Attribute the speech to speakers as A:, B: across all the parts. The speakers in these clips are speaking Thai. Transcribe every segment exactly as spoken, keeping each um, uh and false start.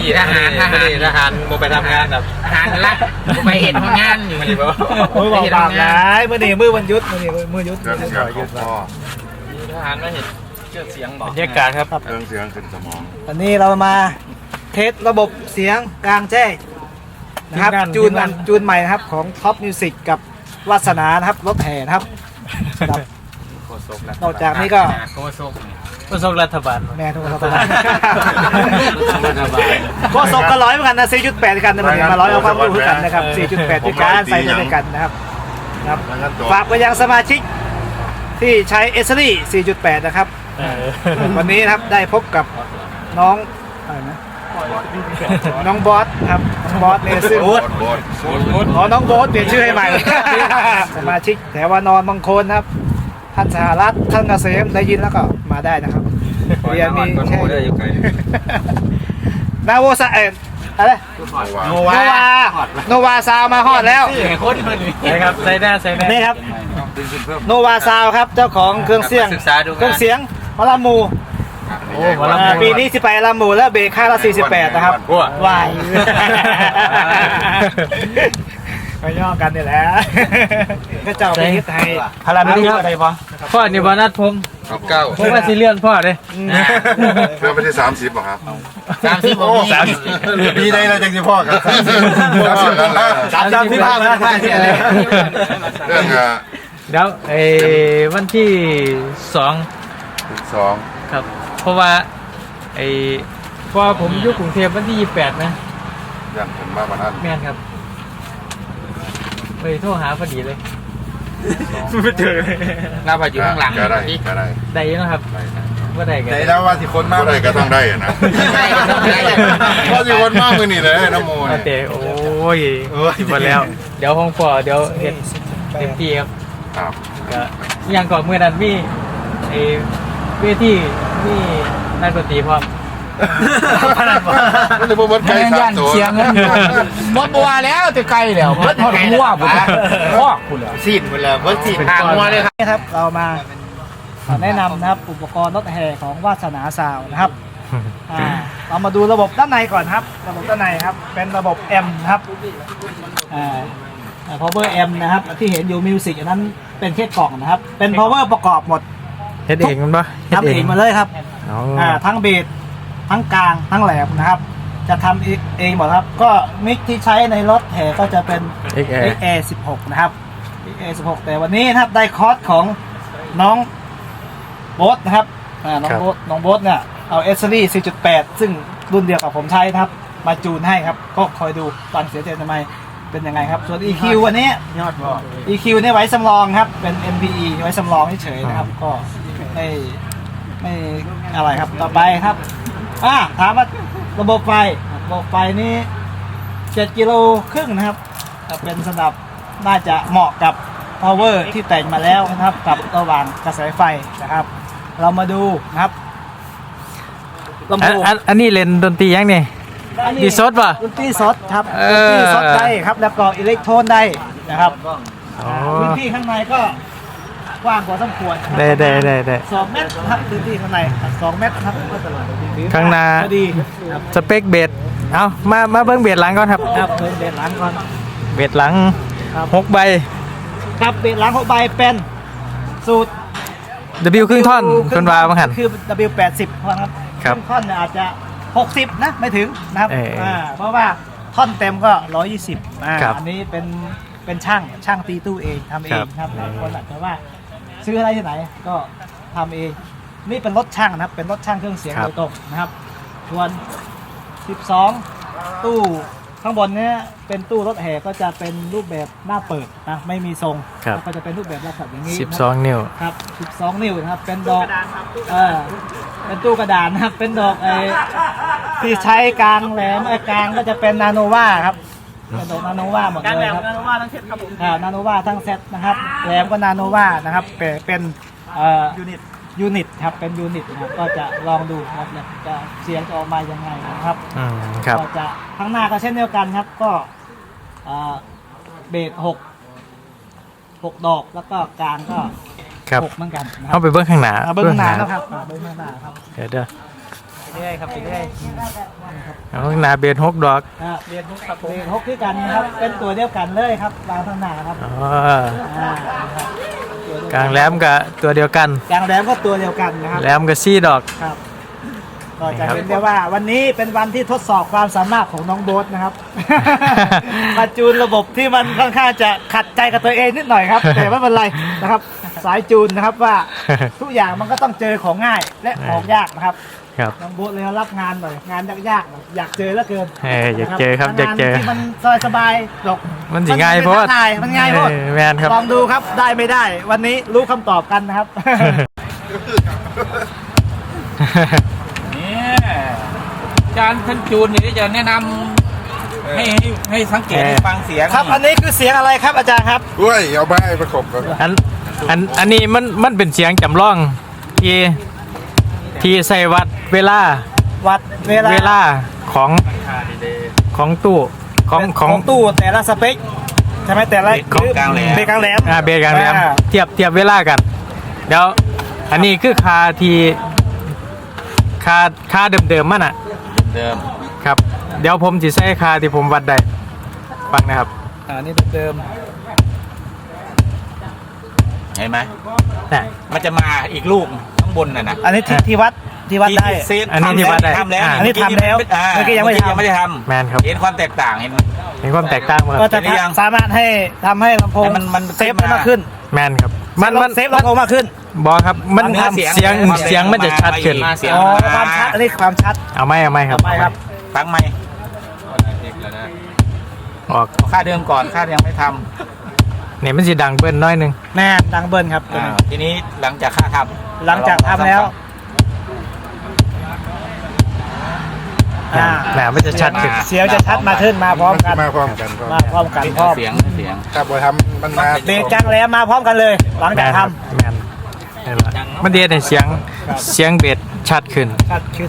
A: ขี่ทหารทหารทหารโมไปทำงานแบบทหารรักไปเห็นงานอยู่นี่บ่
B: โอ้ยบอกบาปร้ายเมื่อนี้มือวันยุดเมื่อนี้มือยุด
C: เครื่องเสียงของพ่อ
A: ทหารมาเห็นเชื่อเสียงบอก
B: บรรยากาศครับ
C: เครื่องเสียงขึ้นสมอง
B: วันนี้เรามาเทสระบบเสียงกลางแจ้งนะครับจูนมันจูนใหม่นะครับของท็อปมิวสิกกับวาสนานะครับรถแห่นะครับนอกจากนี้ก็
A: โคศก
D: กระทรวงรัฐบาล
B: แม่ทุกคนรัฐบาลก็สองก็ร้อยเหมือนกันนะสี่จุดแปดกันนะมันมาร้อยเอาความรู้กันนะครับสี่จุดแปดด้วยกันใส่ด้วยกันนะครับครับฝากไปยังสมาชิกที่ใช้เอสซี่สี่จุดแปดนะครับวันนี้นะครับได้พบกับน้องอะไรนะน้องบอสครับน้องบอสเนี่ยซึ่ง
C: โบดโบด
B: อ๋อน้องโบสเปลี่ยนชื่อให้ใหม่ สมาชิกแถวานอนบางคนนะครับท่านสหรัฐท่านเกษมได้ยินแล้วก็มาได้นะครับเรียนมีแค่นาโวซาเอ็นอะไรโนวาโนวาซาวมาฮอดแล้ว
D: นะครับใส่หน้าใส่หน้า
B: นี่ครับโนวาซาวครับเจ้าของเครื่องเสียงเครื่องเสียงพลามู
D: โอ้มาแล้ว
B: ปีนี้สิไปลามูแล้วเบรกค่าละสี่สิบแปดนะครับวายไปย่อกันนี่แหละก็เจ้าไปยึดไทย
D: พาราไม่ได้อะไรปะพ่อนี่บอนัดผมเก้าผมว่าสิเลื่อนพ่อเลย
C: เครื่องไม่ใช่สามสิบหรอครับ
A: สามสิบโอ้สามสิบ
C: ปีใดเราจังสิพ่อครับสามสิบกันแล้ว
B: สามสามสิบห้าแล้ว
C: เรื่องอ่ะ
D: เดี๋ยวไอ้วันที่สอง
C: สอง
D: ครับเพราะว่าไอ้พอผมอยู่กรุงเทพวันที่ยี่สิบแปดนะ
C: ยันเป็นมาบ้านนั้น
D: แม่นครับไปโทรหาพอดีเลยไม่เจอเลย
A: เราไปอยู่ข้างหลัง
C: ก็ได้ก็ได้
D: ได้ยังครับว่าได้กัน
C: ได้แล้วว่าสิคนมากได้ก็ต้องได้อะนะว่าสิคนมากมือนี่เลยน้ำโม
D: มาเตะโอ้ยมาแล้ว เดี๋ยวห้องปอเดี๋ยวเห็นเต็มที่ครับ
C: ครับ
D: ก็ยังก่อนเมื่อนั้นมีไอ้เวทีมีนักดนตรีพร้อม
C: มันจะบ่มันไกลสามตัว
A: มดบัวแล้วแต่ไกลแล้วมดทอดหัวบุญพ่อคุณแล้วสิ้นไปแล้วมดสิ้นทางหัวเลยครับ
B: นี่ครับเรามาแนะนำนะครับอุปกรณ์รถแห่ของวาสนาซาวนะครับอ่าเรามาดูระบบด้านในก่อนครับระบบด้านในครับเป็นระบบ M นะครับอ่า power M นะครับที่เห็นอยู่มิวสิกอันนั้นเป็นแค่กล่องนะครับเป็น power ประกอบหมด
D: เฮ็ดเองมันปะ
B: ทำเองมาเลยครับ
D: อ๋อ
B: อ่าทั้งเบสทั้งกลางทั้งแหลมนะครับจะทำเองหมดครับก็มิกที่ใช้ในรถแห่ก็จะเป็น
D: เอ็กแอ
B: เอ็ก
D: ร์
B: แอร์ สิบหกนะครับ เอ็ก แอร์ สิบหกแต่วันนี้นะครับได้คอร์สของน้องโบ๊ทนะครับอ่าน้องโบ๊ทน้องโบ๊ทเนี่ยเอาเอสซี่ สี่จุดแปด ซึ่งรุ่นเดียวกับผมใช้นะครับมาจูนให้ครับก็คอยดูฟังเสียงเต็มทำไมเป็นยังไงครับส่วน อี คิว วันนี้
A: ยอดบ่
B: อี คิว เนี่ยไว้สำรองครับเป็น เอ็ม พี อี ไว้สำรองเฉยๆนะครับก็ไม่ไม่อะไรครับต่อไปครับอ่าถามว่าระบบไฟระบบไฟนี้เจ็ดกิโลครึ่งนะครับเป็นสำหรับน่าจะเหมาะกับ power ที่แต่งมาแล้วนะครับกับระหว่างกระแสไฟนะครับ เรามาดูนะครับลำ
D: อัน
B: โพง
D: อันอันนี้เล่นดนตรียังเนี่ย ดีซดป่ะ
B: ดนตรีสดครับ
D: เอ
B: ดน
D: อ
B: ตรีสดได้ครับแล้วก็อิเล็กโทรนได้นะครับ
D: อ๋อ
B: พื้นที่ข้างในก็กว้างกว่าสมควรนะครับ
D: ได้ได้ได้ได้
B: สองเมตรครับพื้นที่ข้างในสองเมตรครับก็ตลอด
D: ข้างหน้า
B: พอดีครับ
D: สเปคเบสเอามามาเบิ้งเบสหลังก่อนครับ
B: ครับเดินเบรหลังก่อน
D: เบสหลัง
B: ครับ
D: หกใบ
B: ครับเบรหลังหกใบเป็นสูตร
D: W ครึ่งท่อนคนวาบังหัน
B: คือ ดับเบิลยู แปดสิบครับ
D: ครับ
B: งท่อนเนี่ยอาจจะหกสิบนะไม่ถึงนะครับ
D: เอออ่
B: าเพราะว่าท่อนเต็มก็ร้อยยี่สิบอ่า
D: ครับ
B: อันนี้เป็นเป็นช่างช่างตีตู้เองทำเอง
D: ครับ
B: ครับบางคนอาจจะว่าซื้ออะไรที่ไหนก็ทำเองนี่เป็นรถช่างนะครับเป็นรถช่างเครื่องเสียงโดยตรงนะครับส่วนสิบสองตู้ข้างบนเนี้ยเป็นตู้รถแห่ก็จะเป็นรูปแบบหน้าเปิดนะไม่มีทรง
D: ครับ
B: แล้วก็จะเป็นรูปแบบลักษณะอย่างนี้
D: สิบ
B: นะ
D: สองนิ้ว
B: ครับสิบสองนิ้วนะครับ เป็นดอกเออเป็นตู้กระดานนะครับ เป็นดอกไอ้ที่ใช้กลางแหลมไอ้กลางก็จะเป็นนาโนวาครับ เป็นดอกนาโนวาหมดเลยครับนาโนวาทั้งเซตครับผมอ่านาโนวาทั้งเซตนะครับ แหลมก็นาโนวานะครับ เป็นเป็นเอ่อยูนิต ยูนิตครับ เป็นยูนิตนะครับ ก็จะลองดูนะครับเนี่ยจะเสียงจะออกมายังไงนะครับ
D: อืมครับ
B: ก็จะข้างหน้าก็เช่นเดียวกันครับ ก็เอ่อเบสหกหกดอกแล้วก็กลางก็
D: ครับ
B: หกเหมือนกันนะครั
D: เข้าไปเบิ้งข้างหน้า
B: อ่าเบิ้งข้างหน้านะครับอ่าเบิ้งข้างหน้าครับ
D: เดี๋ยวเดี๋ยวเรื่อยครับไปเรื่อยเอาหนาเบนหกดอก
B: อ่าเบียดฮกครับเบียดฮกด้วยกันนะครับเป็นตัวเดียวกันเลยครับวางทางหน้าครับ
D: อ๋อ
B: อ่าครับ
D: กลางแหลมกับตัวเดียวกัน
B: กลางแหลมก็ตัวเดียวกันนะครับ
D: แหลมกับซี่ดอก
B: ครับก็จะเห็นได้ว่าวันนี้เป็นวันที่ทดสอบความสามารถของน้องโบ๊ทนะครับ มาจูนระบบที่มันค่อนข้างจะขัดใจกับตัวเองนิดหน่อยครับ แต่ไม่เป็นไรนะครับ สายจูนนะครับว่าทุกอย่างมันก็ต้องเจอของง่ายและของยากนะครับ
D: ครับ
B: น้องโบ๊ทเลยรับงานหน่อยงานยากๆหน่อยอยากเจอเหลือเกิน
D: เอออยากเจอครับอยากเจอ
B: งนที่มันสบายๆหรอก
D: มันสิง่ายเพราะ
B: มันเป็นท้าทายมันง่ายเพราะ
D: เออแมนครับ
B: ลองดูครับได้ไม่ได้ วันนี้รู้คำตอบกันนะครับ
A: เนี่ยอาจารย์ท่านจูนนี่จะแนะนำให้ให้ให้สังเกตให้ฟังเสียง
B: ครับอันนี้คือเสียงอะไรครับอาจารย์ครับ
C: ด้วยเอาไปประกบกัน
D: อันอันอันนี้มันมันเป็นเสียงจำลองที่ที่ใส่วัดเวลา
B: วัดเวลา
D: เวลาของของตู้ของข
B: ข
D: อ
B: อง งตู้แต่ละสเปคใช่ไหมแต่ละ
A: ของกลางแหลม
B: เบรกกลางแหลม
D: อ่าเบรกกลางแหลม
B: อ่า
D: เทียบเทียบเวลากันเดี๋ยวอันนี้คือคาที่คาคาเดิมๆมันอ่ะ
A: เดิม
D: ครับ เดี๋ยวผมจะใช้คาที่ผมวัดได้ฟังนะครับ
B: อ่านี่เดิม
A: เห็นไหม
D: น่ะ
A: มันจะมาอีกลูกข้างบนน่ะนะ
B: อันนี้ที่ที่วัดที่วัดได้
A: ที่เซฟ
D: อันนี้ที่วัดได้
A: ทำแล้ว
D: อ่า
B: อันนี้ทำแล้ว
A: อ่า
B: เมื่อกี้ยังไม่ทำ
A: ยังไม่ได้ท
D: แมนครับ
A: ำเห็นความแตกต่างเห็นไหม
D: เห็นความแตกต่างมั้ยค
B: ก็
D: รับ
B: จะ
A: เห็นหรือยัง
B: สามารถให้ทำให้ลำโพง
A: ให้มันมัน
B: เซฟ
A: ขึ้นมา
B: มากขึ้น
D: แมนครับมันมัน
B: เซฟลำโพงมากขึ้น
D: บอครับมัน
A: เนื้อ
D: เสี
A: เสี
D: ย
A: ย
D: ง
A: ง
D: เสียงมันจะชัดขึ้น
A: มาเสียง
B: อ๋อความชัดอันนี้ความชัด
D: เอาไหมเอาไหมครับ
B: ไปครับ
A: ฟังไหม
D: ออก
A: ค่าเดิมก่อนค่ายังไม่ท
D: เนี่ยมันจะดังเบิ้ลน้อยหนึง
B: แน่ดังเบิ้ลครับ
A: ำ
B: ตัว
A: อ่า
B: นี้
A: ทีนี้หลังจากค่าทำ
B: หลังจากทำแล้วอ่า
D: แหมมันจะชัดขึ้น
B: เสียงจะชัดมาขึ้นมาพร้อมกัน
C: มาพร้อมกันครับ
B: มาพร้อมกันพร้อม
A: เสียงเสียง
C: ถ้าบอทำมันมา
B: เบรกกลางแหลมมาพร้อมกันเลย หลัง
D: แม
B: จาก
D: นค
B: ท
D: รับแมนนี่แหละมันเดียนเสียงเสียงเบสชัดขึ้น
B: ำชัดขึ้น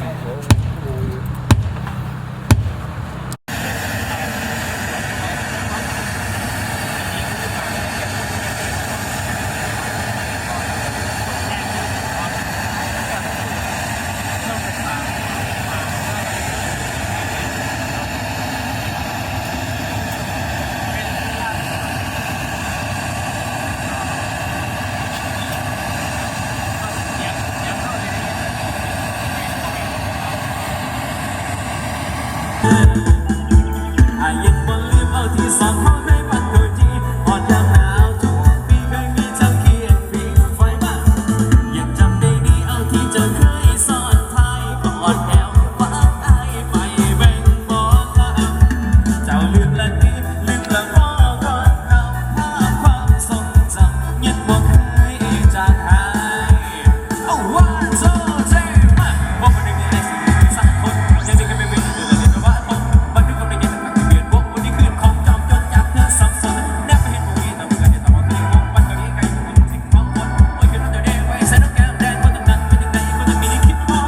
E: อายังบ่ลืมเอาที่สองเขาในปัดโดยที่หอดยามหนาวทุกปีเคยมีเจ้าเขียนปีไฟมายังจำได้ดีเอาที่เจ้าเคยสอนไทยก่อนแอวว่าอายไปแบ่งบอกลาเจ้าลืมละนี้ลืมละพ่อก่อนเราภาพความทรงจำยังบ่เคยจางหายเอาว่าโซ่เท่มากว่าคนหนึ่งในสิ่งสักคนยังจะกันไม่เป็นเดือนเลยแต่ว่าผมบันทึกเอาไปเก็บมันเปลี่ยนวงวันนี้คืนของจอมจนอยากเธอสับสนแนบไปเห็นผู้หญิงต้องการจะต้องมาคืนวงวันนี้ไกลถึงสิ่งของคนโอ้ยคืนนั้นเดี๋ยวเด้ไว้ใส่น้ำแก้มแดงคนต่างๆเป็นยังไงก็จะมีคิดว่า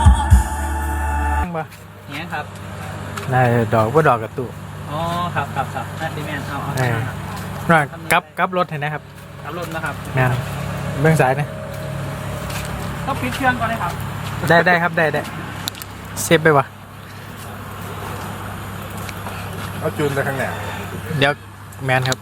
D: เนี้ยครับได้ดอกว่าดอกกระตุก
B: อ๋อครับครับครับน่าดีแมนเอา
D: เออร่างกลับกลับรถเห็นนะครับ
B: ขับรถนะครับ
D: แมนเบื้องซ้ายนะ
B: ต้องปิดเครื่องก่อนเลยครับ
D: ได้ได้ครับได้ได้เซฟไปวะ
C: เอาจูนไปข้างหน้า
D: เดี๋ยวแมนครับ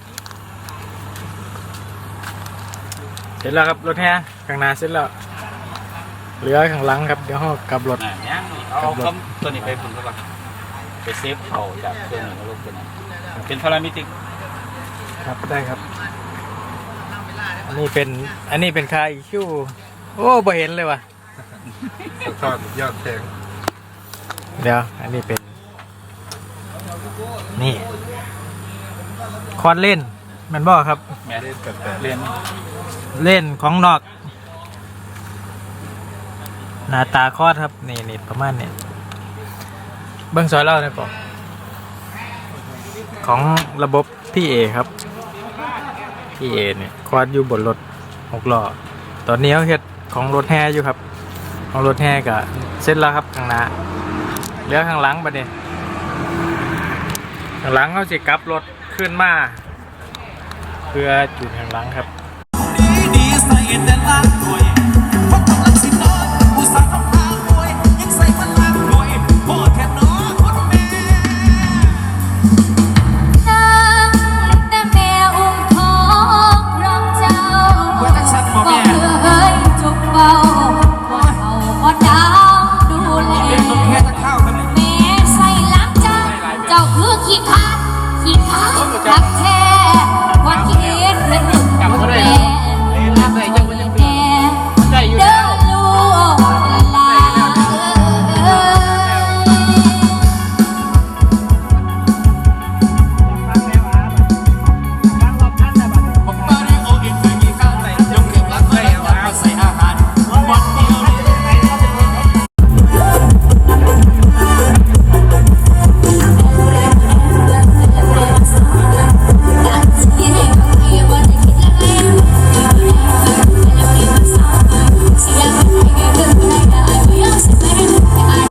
D: เสร็จแล้วครับรถแห่ข้างหน้าเสร็จแล้วเหลือข้างหลังครับเดี๋ยวเรากลับรถ
A: อ่ายังเอาคำตัวนี้ไปฝุ่นก่อนไปเซฟเอาจากตัวหนึ่งลงตัวหนึ่งเป็นพารามิติก
D: ครับได้ครับ อันนี้เป็นอันนี้เป็นคาอีคิวโอ้บ่เห็นเลยว่ะ
C: ทอดยอดแข็ง
D: เดี๋ยวอันนี้เป็นนี่คอร์ดเล่นแมันบ่ครับ
A: แม่
C: เล่นกับแต่
A: เรียน
D: เล่นของนอกหน้าตาคอร์ดครับนี่นี่ประมาณนี้เบิ้งซอยเล่าได้ปะของระบบพี่เอครับพี่เอเนี่ยคอร์ดอยู่บนรถหกล้อตอนนี้เขาเฮ็ดของรถแห่อยู่ครับของรถแห่ก็เสร็จแล้วครับข้างหน้าเหลือข้างหลังบัดนี้ข้างหลังเขาสิกลับรถขึ้นมาเพื่อจุดข้างหลังครับ
E: ดีใส่แต่ละตัวเพราะกำลังสินอนผู้สาว